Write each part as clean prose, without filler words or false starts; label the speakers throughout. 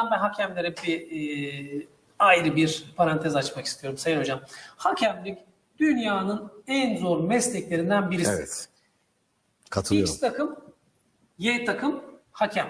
Speaker 1: buradan ben hakemlere ayrı bir parantez açmak istiyorum Sayın Hocam. Hakemlik dünyanın en zor mesleklerinden birisi.
Speaker 2: Evet. Katılıyorum.
Speaker 1: X takım, Y takım, hakem.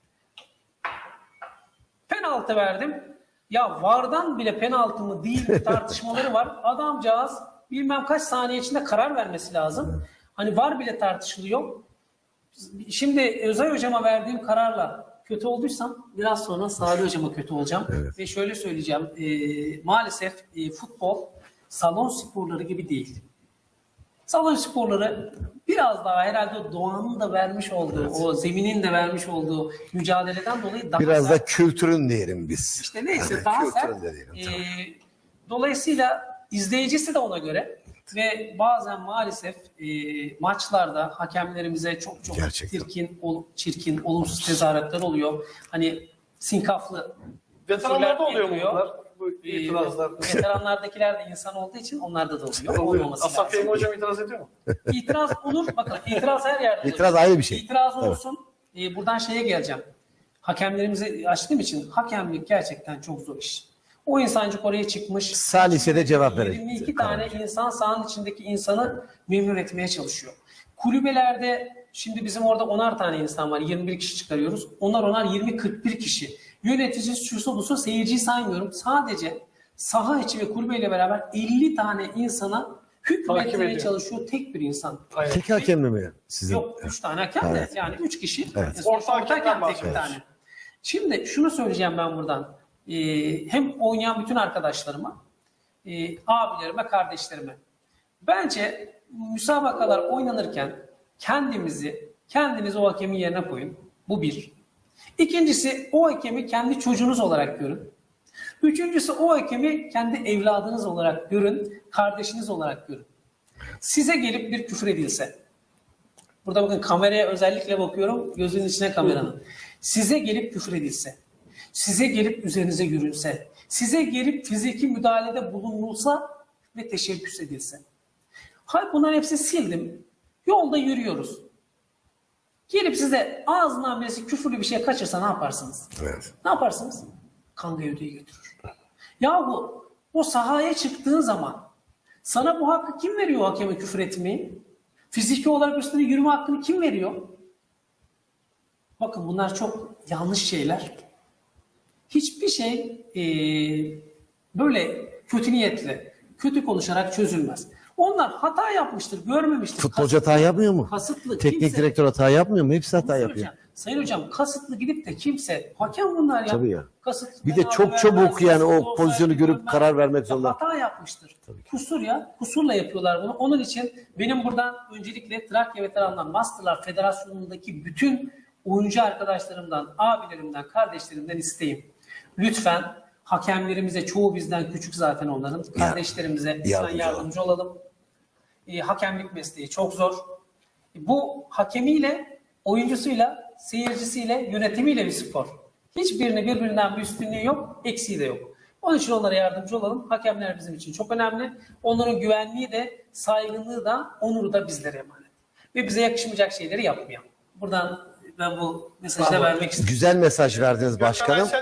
Speaker 1: Penaltı verdim. Ya VAR'dan bile penaltı mı değil mi tartışmaları var. Adamcağız bilmem kaç saniye içinde karar vermesi lazım. Hani VAR bile tartışılıyor. Şimdi Özay Hocama verdiğim kararla kötü olduysam biraz sonra Salih Hocama kötü olacağım.
Speaker 2: Evet.
Speaker 1: Ve şöyle söyleyeceğim. Maalesef futbol salon sporları gibi değil. Salon sporları biraz daha herhalde doğanın da vermiş olduğu, o zeminin de vermiş olduğu mücadeleden dolayı daha
Speaker 2: Biraz
Speaker 1: sert.
Speaker 2: da kültürün diyelim biz.
Speaker 1: İşte neyse
Speaker 2: Yani
Speaker 1: daha
Speaker 2: kültürün
Speaker 1: sert.
Speaker 2: de diyelim, tamam.
Speaker 1: Dolayısıyla izleyicisi de ona göre ve bazen maalesef maçlarda hakemlerimize çok
Speaker 2: Gerçekten.
Speaker 1: çirkin, olumsuz tezahüratlar oluyor. Hani sinkaflı
Speaker 3: Veteranlarda oluyor mu
Speaker 1: yapıyor.
Speaker 3: bunlar? Bu itirazlar.
Speaker 1: Veteranlardakiler de insan olduğu için onlarda da oluyor.
Speaker 3: Oluyor.
Speaker 1: Olmaması
Speaker 3: Asaf
Speaker 1: lazım.
Speaker 3: Fehmi Hocam itiraz ediyor mu?
Speaker 1: İtiraz olur. Bakın itiraz her yerde olur.
Speaker 2: İtiraz ayrı bir şey.
Speaker 1: İtiraz olursun. Buradan şeye geleceğim. Hakemlerimizi açtığım için hakemlik gerçekten çok zor iş. O insancık oraya çıkmış.
Speaker 2: Salise de cevap verecek.
Speaker 1: 22 tane insan sahanın içindeki insanı memnun etmeye çalışıyor. Kulübelerde şimdi bizim orada 10'ar tane insan var. 21 kişi çıkarıyoruz. Onar 20-41 kişi. Yönetici, şusu busu, seyirciyi saymıyorum. Sadece saha içi ve kulübeyle beraber 50 tane insana hükmetmeye çalışıyor tek bir insan.
Speaker 3: Aynen.
Speaker 2: Tek hakemle mi? Sizin?
Speaker 1: Yok 3 tane hakem de
Speaker 2: Evet.
Speaker 1: yani 3 kişi.
Speaker 2: Evet.
Speaker 3: Orta hakemden
Speaker 1: hakem tek bir
Speaker 3: bahsediyoruz.
Speaker 1: tane. Şimdi şunu söyleyeceğim ben buradan. Hem oynayan bütün arkadaşlarıma, abilerime, kardeşlerime. Bence müsabakalar oynanırken kendiniz o hakemin yerine koyun. Bu bir. İkincisi o hakemi kendi çocuğunuz olarak görün. Üçüncüsü o hakemi kendi evladınız olarak görün, kardeşiniz olarak görün. Size gelip bir küfür edilse, burada bakın kameraya özellikle bakıyorum, gözünün içine kameranın. Size gelip küfür edilse, size gelip üzerinize yürünse, size gelip fiziki müdahalede bulunulsa ve teşebbüs edilse. Hayır bunların hepsini sildim. Yolda yürüyoruz. Gelip size ağzından birisi küfürlü bir şey kaçırsa ne yaparsınız?
Speaker 2: Evet.
Speaker 1: Ne yaparsınız? Kan gövdeyi götürür. Yahu o sahaya çıktığın zaman sana bu hakkı kim veriyor hakeme küfür etmeyi? Fiziki olarak üstüne yürüme hakkını kim veriyor? Bakın bunlar çok yanlış şeyler. Hiçbir şey böyle kötü niyetle, kötü konuşarak çözülmez. Onlar hata yapmıştır, görmemiştir.
Speaker 2: Futbolcu hata yapmıyor mu?
Speaker 1: Kasıtlı.
Speaker 2: Teknik
Speaker 1: kimse-
Speaker 2: direktör hata yapmıyor mu? Hepsi hata
Speaker 1: Bunu
Speaker 2: yapıyor.
Speaker 1: söyleyeceğim. Sayın hocam kasıtlı gidip de kimse hakem bunlar ya.
Speaker 2: Tabii ya.
Speaker 1: Kasıtlı
Speaker 2: Bir de
Speaker 1: penaltı
Speaker 2: çok çabuk
Speaker 1: vermez,
Speaker 2: yani o
Speaker 1: offside
Speaker 2: pozisyonu görüp
Speaker 1: bilmem
Speaker 2: karar
Speaker 1: ne.
Speaker 2: vermek zorunda.
Speaker 1: Hata yapmıştır. Kusur ya. Kusurla yapıyorlar bunu. Onun için benim buradan öncelikle Trakya Veteranlar Masterlar Federasyonu'ndaki bütün oyuncu arkadaşlarımdan, abilerimden, kardeşlerimden isteğim. Lütfen hakemlerimize, çoğu bizden küçük zaten onların, kardeşlerimize lütfen yardımcı olalım. Hakemlik mesleği çok zor. Bu hakemiyle, oyuncusuyla, seyircisiyle, yönetimiyle bir spor. Hiçbirini birbirinden bir üstünlüğü yok, eksiği de yok. Onun için onlara yardımcı olalım. Hakemler bizim için çok önemli. Onların güvenliği de, saygınlığı da, onuru da bizlere emanet. Ve bize yakışmayacak şeyleri yapmayalım. Buradan ben bu mesajı da vermek istiyorum.
Speaker 2: Güzel mesaj verdiniz başkanım.